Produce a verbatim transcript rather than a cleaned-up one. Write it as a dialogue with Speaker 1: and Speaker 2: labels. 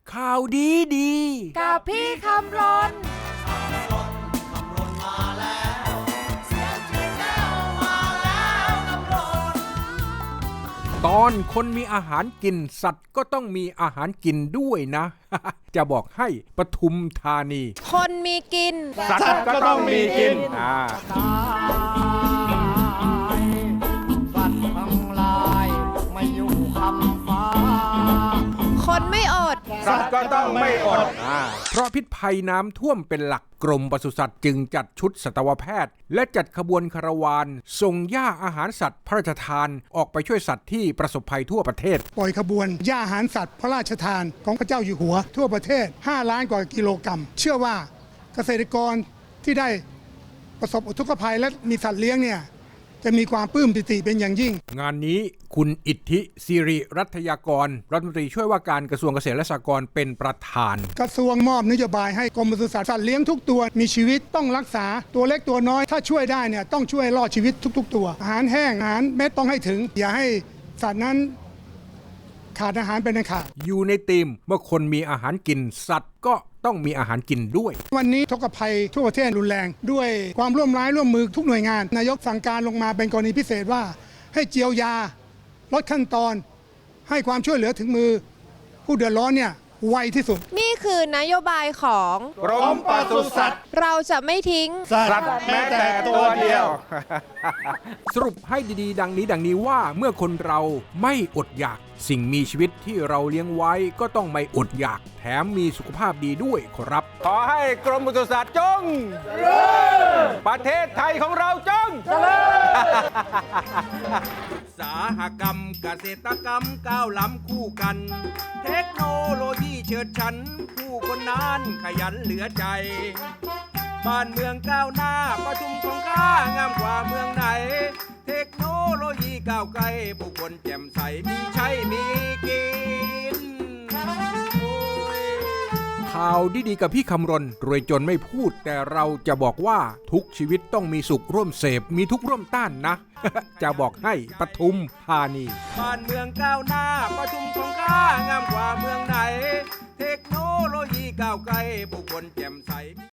Speaker 1: ข่าวดีดี
Speaker 2: กับพี่คำรน
Speaker 1: ตอนคนมีอาหารกินสัตว์ก็ต้องมีอาหารกินด้วยนะ จะบอกให้ปทุมธานี
Speaker 2: คนมีกิน
Speaker 1: สัตว์ก็ต้องมีกินอ่า
Speaker 3: สัตว์ทั้งหลายไม่อยู่คำฟ้า
Speaker 2: คนไม่อด
Speaker 1: สัตว์ก็ต้องไม่อดอ่าเพราะพิษภัยน้ำท่วมเป็นหลักกรมปศุสัตว์จึงจัดชุดสัตวแพทย์และจัดขบวนคาราวานส่งย่าอาหารสัตว์พระราชทานออกไปช่วยสัตว์ที่ประสบภัยทั่วประเทศ
Speaker 4: ปล่อยขบวนย่าอาหารสัตว์พระราชทานของพระเจ้าอยู่หัวทั่วประเทศห้าล้านกว่ากิโลกรัมเชื่อว่าเกษตรกรที่ได้ประสบอุทกภัยและมีสัตว์เลี้ยงเนี่ยจะมีความปลื้มปิติเป็นอย่างยิ่ง
Speaker 1: งานนี้คุณอิทธิสิริรัตยากรรัฐมนตรีช่วยว่าการกระทรวงเกษตรและสหกรณ์เป็นประธาน
Speaker 4: กระทรวงมอบนโยบายให้กรมปศุสัตว์สัตว์เลี้ยงทุกตัวมีชีวิตต้องรักษาตัวเล็กตัวน้อยถ้าช่วยได้เนี่ยต้องช่วยรอดชีวิตทุกๆตัวอาหารแห้งอาหารเม็ดต้องให้ถึงอย่าให้สัตว์นั้นขาดอาหารเป็นอันขาด
Speaker 1: อยู่ในธีมเมื่อคนมีอาหารกินสัตว์ก็ต้องมีอาหารกินด้วย
Speaker 4: วันนี้ทุกภัยทั่วประเทศรุนแรงด้วยความร่วมร้ายร่วมมือทุกหน่วยงานนายกสั่งการลงมาเป็นกรณีพิเศษว่าให้เจียวยาลดขั้นตอนให้ความช่วยเหลือถึงมือผู้เดือดร้อนเนี่ยไวที่สุด
Speaker 2: นี่คือนโยบายของ
Speaker 3: กรมปศุสัตว์
Speaker 2: เราจะไม่ทิ้ง
Speaker 3: สัตว์แม้แต่ตัวเดียว
Speaker 1: สรุปให้ดีๆดังนี้ดังนี้ว่าเมื่อคนเราไม่อดอยากสิ่งมีชีวิตที่เราเลี้ยงไว้ก็ต้องไม่อดอยากแถมมีสุขภาพดีด้วยครับ
Speaker 3: ขอให้กรมปศุสัตว์จงเจริญประเทศไทยของเราจงเจริญ
Speaker 1: อุตสาหกรรมเกษตรกรรมก้าวล้ำคู่กันเทคโนโลยีเฉิดฉันผู้คนนั้นขยันเหลือใจบ้านเมืองก้าวหน้าประชุมของข้างามกว่าเมืองไหนเทคโนโลยีก้าวไกลผู้คนแจ่มใสมีใช้มีกินข่าวดีๆกับพี่คำรณรวยจนไม่พูดแต่เราจะบอกว่าทุกชีวิตต้องมีสุขร่วมเสพมีทุกร่วมต้านนะ จะบอกให้ปทุมธานีบ้านเมืองก้าวหน้าประชุมของข้างามกว่าเมืองไหนเทคโนโลยีก้าวไกลผู้คนแจ่มใส